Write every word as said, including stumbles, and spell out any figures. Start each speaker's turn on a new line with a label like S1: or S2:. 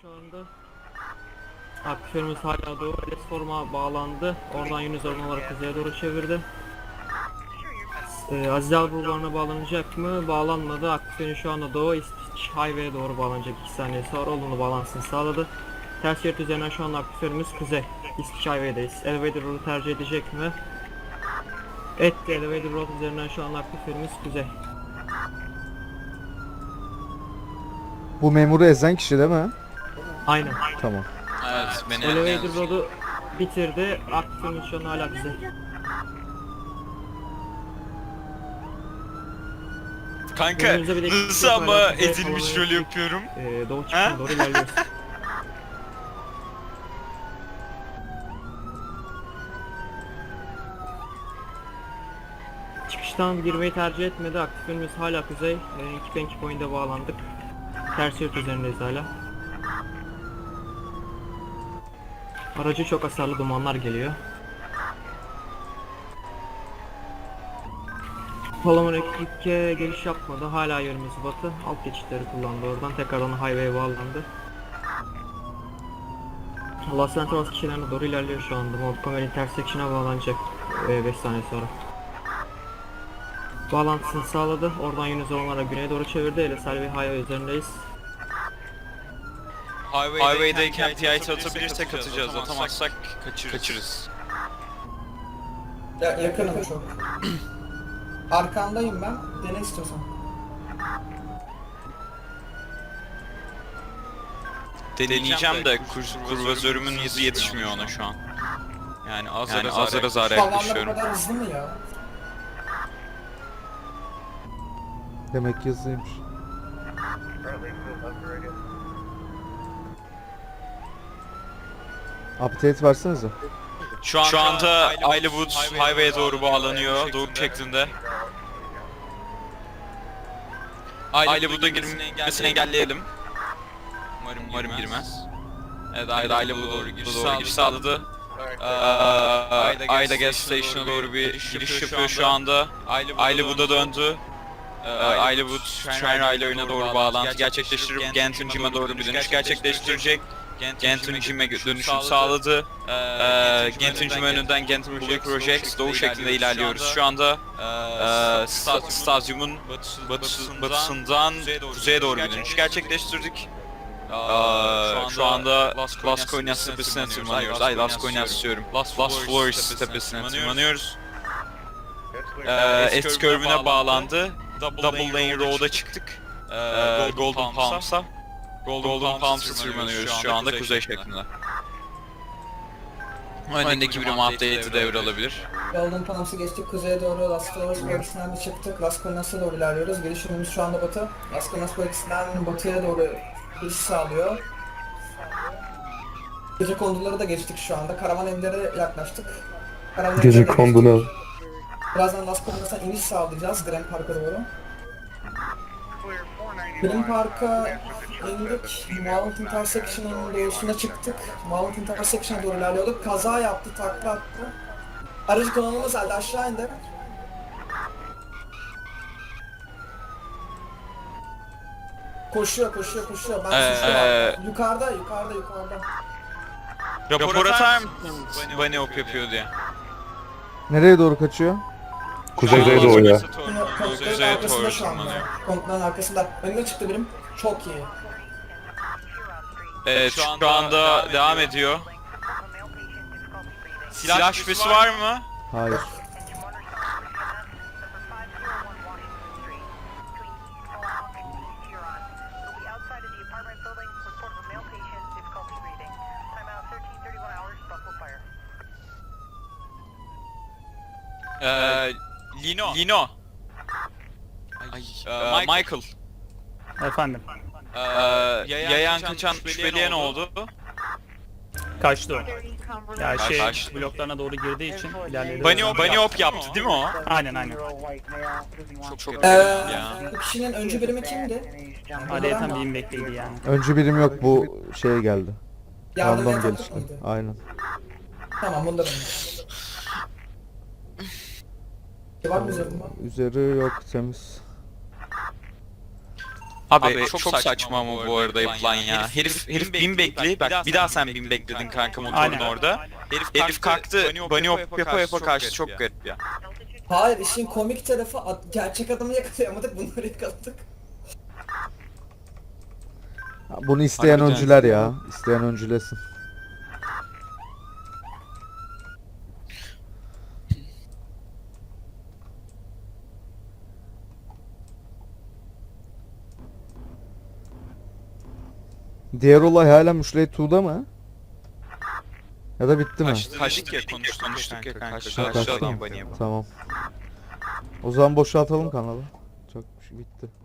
S1: şu anda. Aktiflerimiz hala doğru. Resform'a bağlandı. Oradan Yunus Orman olarak kuzeye doğru çevirdi. Ee, Azizel bulvarına bağlanacak mı? Bağlanmadı. Aktiflerin şu anda doğu İsviç Highway'e doğru bağlanacak. iki saniye sonra olumlu bağlantısını sağladı. Ters şerit üzerinden şu anda aktiflerimiz kuzey İsviç Highway'deyiz. Elevator road'u tercih edecek mi? Etti. Elevator road üzerinden şu anda aktiflerimiz kuzey.
S2: Bu memuru ezen kişi değil mi?
S1: Aynen.
S2: Tamam.
S3: Evet, beni
S1: Elevator road'u bitirdi. Aktiflerimiz şu an hala kuzey.
S3: Kanka
S1: Önümüzde bir dakika
S3: nasıl
S1: var,
S3: ama
S1: herkese
S3: ezilmiş
S1: kolay
S3: rol
S1: gelsin.
S3: yapıyorum.
S1: Ee, doğu
S3: Ha?
S1: çıkışına doğru ilerliyoruz. Çıkıştan girmeyi tercih etmedi. Aktiflerimiz hala kuzey. Ee, iki bank point'e bağlandık. Ters yurt üzerindeyiz hala. Aracı çok hasarlı dumanlar geliyor. Palaman ekipke geliş yapmadı. Hala yönümüz batı. Alt geçitleri kullandı oradan. Tekrardan highway'e bağlandı. Los Santos kişilerine doğru ilerliyor şu anda. Montgomery intersection'a bağlanacak beş saniye sonra. Bağlantısını sağladı. Oradan Yunus Orman'a güneye doğru çevirdi. Ele Selvi Highway üzerindeyiz.
S3: Highway'dayken P I T atabilirsek atacağız, atamazsak kaçırırız. kaçırırız.
S4: Ya yakınım çok. Arkandayım ben. Dene istiyorsan.
S3: Deneyeceğim de kur, kurvazörümün hızı yetişmiyor ona şu an. Yani azar yani azar, azar, azar
S4: Falanlar bu
S3: yaklaşıyorum.
S4: kadar hızlı mı ya?
S2: Demek ki hızlıymış. Update versenize.
S3: Şu, an, şu anda Islewood Highway'e doğru bağlanıyor, doğu şeklinde. Islewood'a girmesini engelleyelim. Umarım, Umarım girmez. Evet, Islewood'a doğru giriş sağladı. sağladı. Ee, Ayla Gas Station'a doğru bir giriş yapıyor şu anda. Islewood'a döndü. Ee, Islewood tren raylarına doğru bağlantı gerçekleştirip Ganton Gym'e doğru bir dönüş gerçekleştirecek. Ganton Gym'e dönüşüm sağladı. Ee, Ganton Gym önünden Ganton Projects doğu şeklinde ilerliyoruz. Şu anda e, sta stadyumun batı, batısından kuzeye doğru bir dönüş gerçekleştirdik. Ee, şu anda Las Colinas tepesine tırmanıyoruz. Ay Las Colinas diyorum. Las Flores tepesine tırmanıyoruz. Ee, S curve'üne bağlandı. Double Lane Road'a çıktık. Ee, Golden Palms'a. Golden Palms'a tırmanıyoruz şu anda kuzey şeklinde. Öndeki birim update'i devralabilir.
S4: Golden Palms'ı geçtik. Kuzeye doğru Las Flores bölgesinden de çıktık. Las Colinas'a doğru ilerliyoruz. Geliş yönümüz şu anda batı. Las Colinas bölgesinden batıya doğru giriş sağlıyor. Gece konduları da geçtik şu anda. Karavan evlere yaklaştık. Karavan
S5: Gece
S4: evlere
S5: kondular.
S4: geçtik. Birazdan Las Colinas'a iniş sağlayacağız Grand Park'a doğru. Grand Park'a indik. Mount Intersection'ın doğusuna çıktık. Mount Intersection'a doğru ilerliyorduk. Kaza yaptı, takla attı. Aracı kullanılmaz halde aşağı indi. Koşuyor, koşuyor, koşuyor. Ben
S3: Ee,
S4: suçlu Yukarıda, yukarıda, yukarıda.
S3: Rapor atar mısın Bunny Hop yapıyor diye?
S2: Nereye doğru kaçıyor?
S5: Kuzeydoğu doğu ya.
S4: Konukların
S3: Kuzeye
S4: arkasında
S3: doğru
S4: şu anda.
S3: tırmanıyor.
S4: Konukların arkasında. Önüne çıktı birim. Çok iyi.
S3: Evet, şu anda devam ediyor. Silah şüphesi var mı?
S2: Hayır.
S3: Ee, Lino. Lino. Ay, ee, Michael.
S6: Efendim,
S3: Ee, yayan kaçan şüpheliye ne oldu?
S6: kaçtı o. Ya şey,
S3: Kaçtı.
S6: bloklarına doğru girdiği için ilerledi.
S3: Bunny Hop, Bunny Hop yaptı değil mi o?
S6: Aynen aynen.
S3: Çok çok
S4: Ee,
S3: ya.
S4: bu kişinin öncü birimi kimdi?
S6: Adeta bir bekliydi yani.
S2: Öncü birim yok, bu şeye geldi.
S4: Yardım
S2: Random
S4: eden
S2: gelişti.
S4: mıydı?
S2: Aynen.
S4: Tamam, bunda benim. Var mı üzerinde?
S2: Üzeri yok, temiz.
S3: Abi, çok, saçma ama bu arada yapılan ya. Herif herif bin bekli. Bak bir daha sen bin bekledin kanka motorun
S6: Aynen.
S3: orada. Herif herif kalktı. Bunny hop yapa yapa kaçtı. Çok garip ya.
S4: Hayır, işin komik tarafı at- gerçek adamı yakalayamadık, bunları yakaladık.
S2: Bunu isteyen
S3: Harbiden.
S2: öncüler ya. İsteyen öncülesin. Diğer olay hala Müşley iki'da mı? Ya da bitti mi?
S3: Kaçtı, kaçtık ya konuştuk, konuştuk ya kanka. Şu
S2: Ha,
S3: an
S2: kaçtı
S3: şu
S2: mı?
S3: an Bunny hop.
S2: Tamam. O zaman boşaltalım kanalı. Çok bitti.